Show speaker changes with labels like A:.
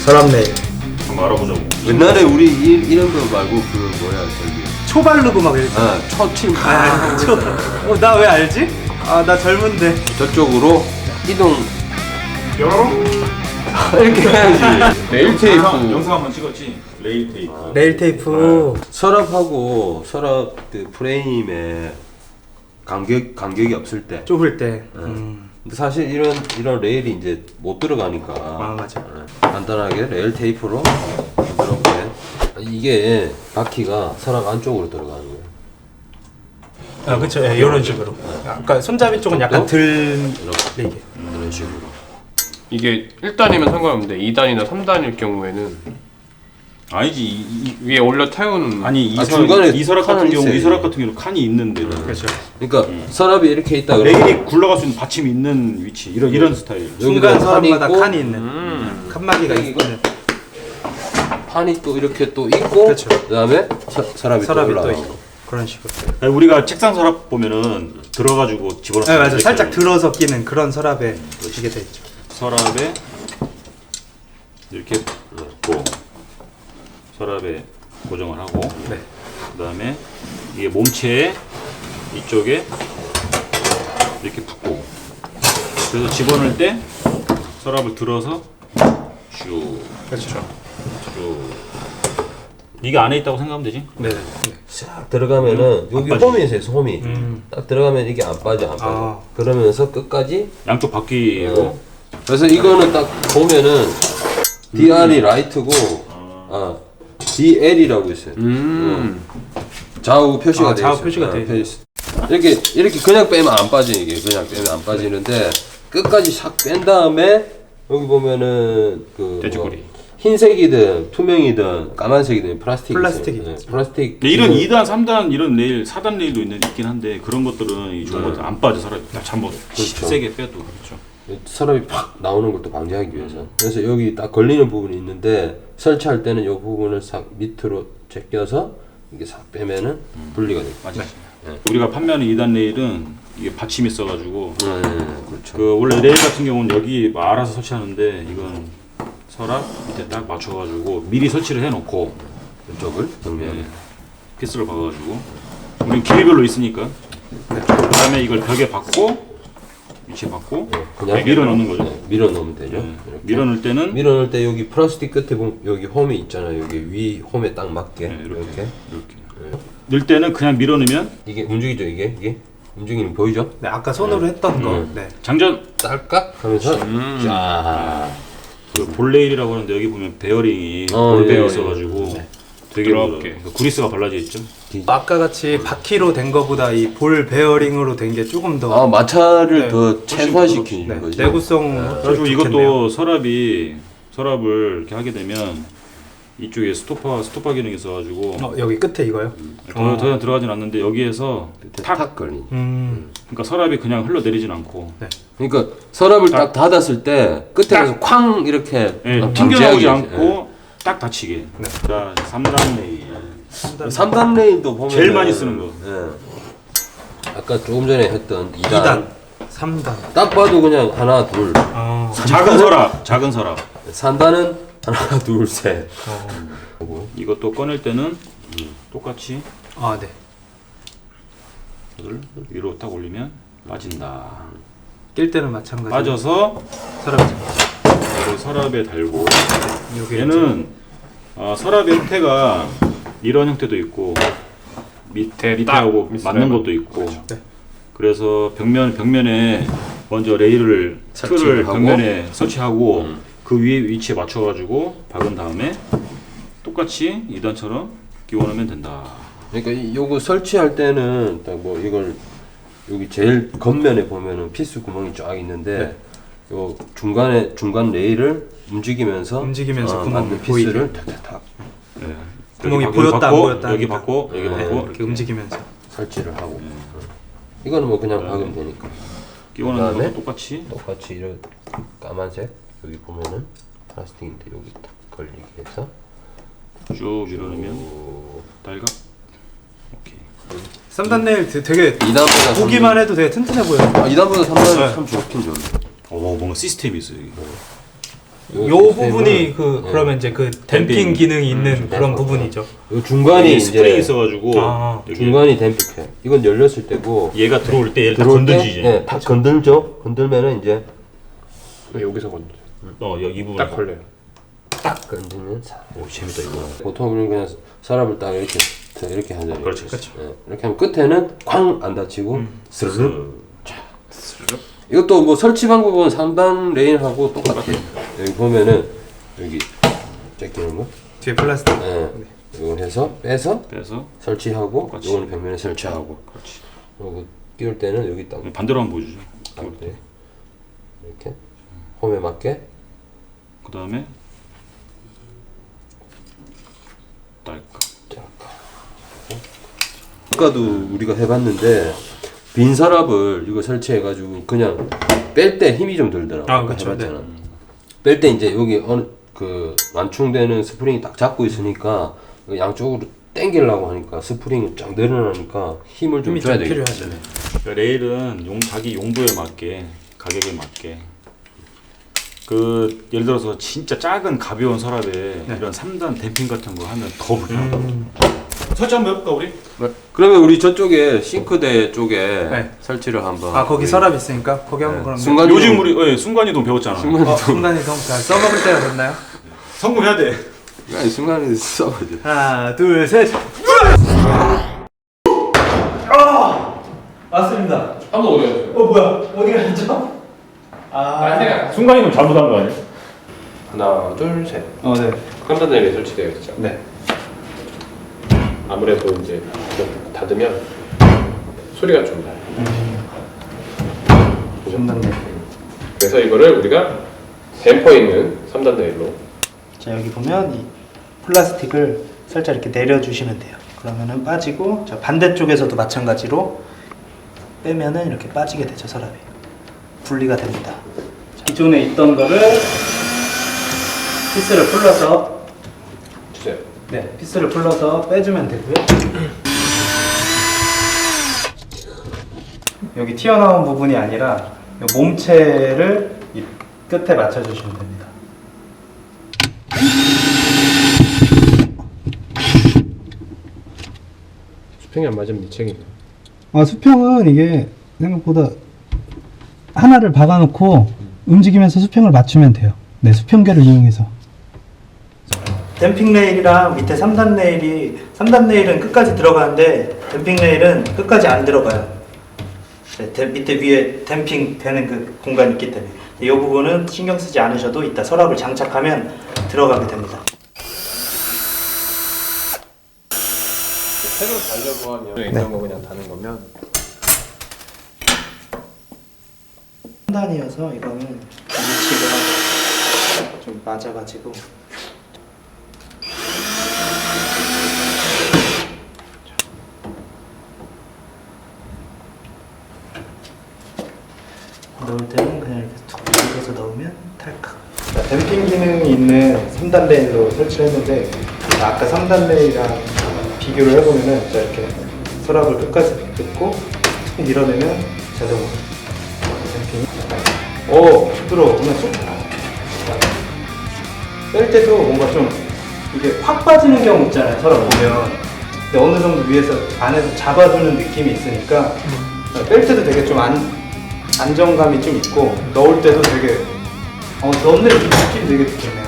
A: 서랍 네일.
B: 한번 알아보자고.
C: 옛날에 우리 이런 거 말고 그 뭐야 저기
A: 초바르고 막 이랬지.
C: 초침
A: 나 왜 알지? 나 젊은데.
C: 저쪽으로 이동
B: 뾰로롱.
C: 이렇게 해야지. 레일 테이프.
B: 영상 한번 찍었지. 레일 테이프.
A: 네일 테이프.
C: 서랍하고 서랍 그 프레임에 간격이 없을 때.
A: 좁을 때.
C: 근데 사실 이런 레일이 이제 못 들어가니까.
A: 맞아.
C: 간단하게 레일 테이프로 이렇게. 이게 바퀴가 서랍 안쪽으로 들어가는 거예요.
A: 그쵸. 이런 식으로. 아까 손잡이 쪽은 약간 들
C: 이렇게. 이런 식으로.
D: 이게 1단이면 상관없는데 2단이나 3단일 경우에는
B: 아니지.
D: 위에 올려 태우는
B: 아니
C: 중간에
B: 이 서랍 같은
C: 칸은
B: 경우
C: 있어요.
B: 이 서랍 같은 경우 칸이 있는데
A: 그렇죠.
C: 그러니까 서랍이 이렇게 있다 그러면
B: 레일이 굴러갈 수 있는 받침이 있는 위치 이런 스타일.
A: 중간 서랍마다
C: 있고,
A: 칸이 있는. 칸막이가
C: 이거
A: 있는.
C: 판이 또 이렇게 또 있고
A: 그렇죠.
C: 그다음에 서랍이 또
A: 또
C: 올라가고.
A: 있고. 그런 식으로.
B: 아니, 우리가 책상 서랍 보면은 들어가지고 집어넣고.
A: 네, 맞아. 살짝 들어서 끼는 그런 서랍에 이게 돼 있죠.
B: 서랍에 이렇게 넣고 서랍에 고정을 하고
A: 네.
B: 그다음에 이게 몸체에 이쪽에 이렇게 붙고 그래서 집어넣을 때 서랍을 들어서 쭉
A: 그렇죠.
B: 이게 안에 있다고 생각하면 되지?
A: 네.
C: 싹 들어가면은 여기
B: 빠지지.
C: 홈이 있어요. 홈이 딱 들어가면 이게 안 빠져. 그러면서 끝까지.
B: 양쪽 바퀴로
C: 그래서 이거는 딱 보면은 DR이 라이트고 DL이라고 있어요. 좌우 표시가 돼 있어요.
A: 좌우 표시가 돼
C: 이렇게 그냥 빼면 안 빠져. 이게 그냥 빼면 안 빠지는데 끝까지 싹 뺀 다음에 여기 보면은 그
B: 돼지꼬리.
C: 뭐 흰색이든 투명이든 까만색이든 플라스틱이
A: 플라스틱이
C: 있어요. 플라스틱.
B: 이런 2단, 3단 이런 레일, 4단 레일도 있긴 한데 그런 것들은 이 좋은 것들 안 빠져 서랍이 한번
C: 그렇죠.
B: 세게 빼도 그렇죠.
C: 서랍이 팍 나오는 걸 또 방지하기 위해서. 그래서 여기 딱 걸리는 부분이 있는데 설치할 때는 이 부분을 싹 밑으로 제껴서 이게 싹 빼면은 분리가 돼요.
B: 맞아. 우리가 판매하는 2단 레일은 이게 받침이 있어가지고
C: 그렇죠.
B: 그 원래 레일 같은 경우는 여기 알아서 설치하는데 이건 서랍 밑에 딱 맞춰가지고 미리 설치를 해놓고
C: 이쪽을 정면에
B: 피스를 박아가지고 우리 길이별로 있으니까 그다음에 이걸 벽에 박고 위치에 박고
C: 그냥
B: 밀어 넣는 거죠.
C: 밀어 넣으면 되죠.
B: 네.
C: 이렇게.
B: 밀어 넣을 때는
C: 밀어 넣을 때 여기 플라스틱 끝에 보면 여기 홈이 있잖아요. 여기 위 홈에 딱 맞게 이렇게.
B: 넣을 때는 그냥 밀어 넣으면
C: 이게 움직이죠. 이게 움직이는 거 보이죠?
A: 네, 아까 손으로 했던 거. 네.
B: 장전.
C: 딸깍 하면서 쫙.
B: 그 볼레일이라고 하는데 여기 보면 베어링이
C: 예,
B: 볼베어
C: 예.
B: 있어가지고 되게
D: 부드럽게.
B: 구리스가 발라져 있죠.
A: 아까 같이 바퀴로 된 거보다 이 볼 베어링으로 된 게 조금 더
C: 마찰을
A: 네,
C: 더 최소화시키는
A: 네,
C: 거죠.
A: 내구성.
B: 그래가지고 이것도 서랍을 이렇게 하게 되면 이쪽에 스토퍼 기능이 있어가지고
A: 여기 끝에 이거요?
B: 더 이상 들어가진 않는데 여기에서
C: 탁 걸린.
B: 그러니까 서랍이 그냥 흘러 내리진 않고
C: 그러니까 서랍을 딱 닫았을 때 끝에서 쾅 이렇게
B: 튕겨나오지 않고 딱 닫히게. 자 3단 레일.
C: 3단 레일도 보면
B: 제일 많이 쓰는 거.
C: 아까 조금 전에 했던 2단,
A: 2단, 3단.
C: 딱 봐도 그냥 하나 둘.
B: 작은 서랍.
C: 3단은 하나 둘 셋.
B: 이것도 꺼낼 때는 똑같이
A: 네.
B: 이걸 위로 딱 올리면 빠진다.
A: 낄 때는 마찬가지.
B: 빠져서
A: 서랍.
B: 이걸 서랍에 달고
A: 여기
B: 얘는 서랍의 형태가 이런 형태도 있고 밑에하고 맞는 것도 있고
A: 네.
B: 그래서 벽면에 먼저 레일을 틀을
C: 하고.
B: 벽면에 설치하고 그 위에 위치에 맞춰가지고 박은 다음에 똑같이 2단처럼 끼워넣으면 된다.
C: 그러니까 요거 설치할 때는 딱 뭐 이걸 여기 제일 겉면에 보면은 피스 구멍이 쫙 있는데 요 중간 레일을 움직이면서
A: 구멍이
C: 맞는 피스를 탁탁탁
B: 네.
A: 구멍이
B: 여기
A: 보였다 안
B: 받고,
A: 보였다
B: 여기
A: 하니까.
B: 받고 여기 받고
A: 이렇게 움직이면서
C: 설치를 하고. 이거는 뭐 그냥 박으면 되니까.
B: 끼워넣는
C: 그다음에
B: 것도
C: 똑같이 이런 까만색 여기 보면은 플라스틱인데 여기 딱 걸리게 해서
B: 쭉 밀어넣으면 딸각. 오케이.
A: 3단 네일 되게
C: 2단보다
A: 보기만 해도 되게 튼튼해 보여요.
C: 2단보다 3단이 참 좋긴 좋네.
B: 뭔가 시스템이 있어요. 여기.
A: 요 부분이 그러면 이제 그 댐핑
B: 댐핑.
A: 기능이 있는 그런
C: 댐핑.
A: 부분이죠.
C: 요 중간이
B: 스프링이
C: 이제
B: 있어가지고 여기
C: 중간이 댐핑해. 이건 열렸을 때고
B: 얘가 들어올 때 얘를 딱
C: 들어올 때,
B: 건들지 이제.
C: 예, 딱 건들죠. 건들면은 이제
D: 여기서 건드려.
B: 여기 부분
D: 딱 걸려요.
C: 딱 건들면
B: 오 재밌다 이거.
C: 보통 우리는 그냥 서랍을 딱 이렇게 하잖아요.
B: 그렇죠.
C: 예, 이렇게 하면 끝에는 쾅 안 다치고 스르륵.
B: 스르륵.
C: 이것도 뭐 설치 방법은 3단 레인하고 똑같아요. 여기 보면은 여기 제끼는 거.
A: 뒤에 플라스틱.
C: 예. 이걸 해서 빼서
B: 빼서
C: 설치하고
B: 똑같이.
C: 이거는 벽면에 설치하고.
B: 그렇지.
C: 그리고 끼울 때는 여기 딱
B: 반대로 한번 보여주죠.
C: 이렇게 이렇게 홈에 맞게.
B: 그 다음에 딸깍.
C: 아까도 우리가 해봤는데 빈 서랍을 이거 설치해가지고 그냥 뺄 때 힘이 좀 들더라고.
A: 아, 그쵸.
C: 해봤잖아. 뺄 때 이제 여기 어느 그 완충되는 스프링이 딱 잡고 있으니까 양쪽으로 당기려고 하니까 스프링이 쫙 내려나니까 힘을 좀
A: 힘이
C: 줘야
A: 좀
C: 되겠다.
A: 필요하죠.
B: 그러니까 레일은 자기 용도에 맞게 가격에 맞게 그 예를 들어서 진짜 작은 가벼운 서랍에 이런 3단 댐핑 같은 거 하면 더 불편하다. 설치 한번 해볼까 우리?
C: 그러면 우리 저쪽에 싱크대 쪽에
A: 네.
C: 설치를 한번.
A: 아 거기
C: 우리
A: 서랍 있으니까 거기 한번 그럼.
C: 순간-
B: 요즘 우리 순간이동 배웠잖아.
A: 순간이동 잘 써먹을 때가 됐나요?
B: 성공해야 돼.
C: 아니, 순간에 써보자.
A: 하나 둘 셋. 맞습니다.
D: 한번 오래요.
A: 뭐야 어디 갔죠?
B: 순간이동 잘못한 거 아니야?
D: 하나, 둘, 셋.
A: 네.
D: 3단 레일이 설치되어 있죠.
A: 네.
D: 아무래도 이제 닫으면 소리가 좀 나요.
A: 중단네.
D: 그래서 이거를 우리가 댐퍼 있는 3단 레일로.
E: 자, 여기 보면 이 플라스틱을 살짝 이렇게 내려주시면 돼요. 그러면은 빠지고, 자, 반대쪽에서도 마찬가지로 빼면은 이렇게 빠지게 되죠, 서랍이. 분리가 됩니다. 기존에 있던 거를 피스를 풀러서,
D: 주세요.
E: 네, 피스를 풀러서 빼주면 되고요. 여기 튀어나온 부분이 아니라 이 몸체를 이 끝에 맞춰주시면 됩니다.
D: 수평이 안 맞으면 네 책임이에요.
F: 수평은 이게 생각보다 하나를 박아놓고 움직이면서 수평을 맞추면 돼요. 네, 수평계를 이용해서.
E: 댐핑 레일이랑 밑에 3단 레일이 3단 레일은 끝까지 들어가는데 댐핑 레일은 끝까지 안 들어가요. 네, 밑에 위에 댐핑 되는 그 공간이 있기 때문에 이 부분은 신경 쓰지 않으셔도 이따 서랍을 장착하면 들어가게 됩니다.
D: 새로 달려고 하면 있던 거 그냥 다는 거면
E: 3단이어서 이거는 위치가 좀 맞아가지고 넣을 때는 그냥 이렇게 툭 눌러서 넣으면 탈칵.
A: 댐핑 기능이 있는 3단 레일로 설치를 했는데 아까 3단 레일이랑 비교를 해보면은 자 이렇게 서랍을 끝까지 뜯고 툭 밀어내면 자동으로 댐핑이 부드러워. 그냥 쏙 뺄 때도 뭔가 좀 이게 확 빠지는 경우 있잖아요, 서랍 보면. 근데 어느 정도 위에서 안에서 잡아주는 느낌이 있으니까 뺄 때도 되게 좀 안정감이 좀 있고 넣을 때도 되게 넣는 느낌이 되게 좋네요.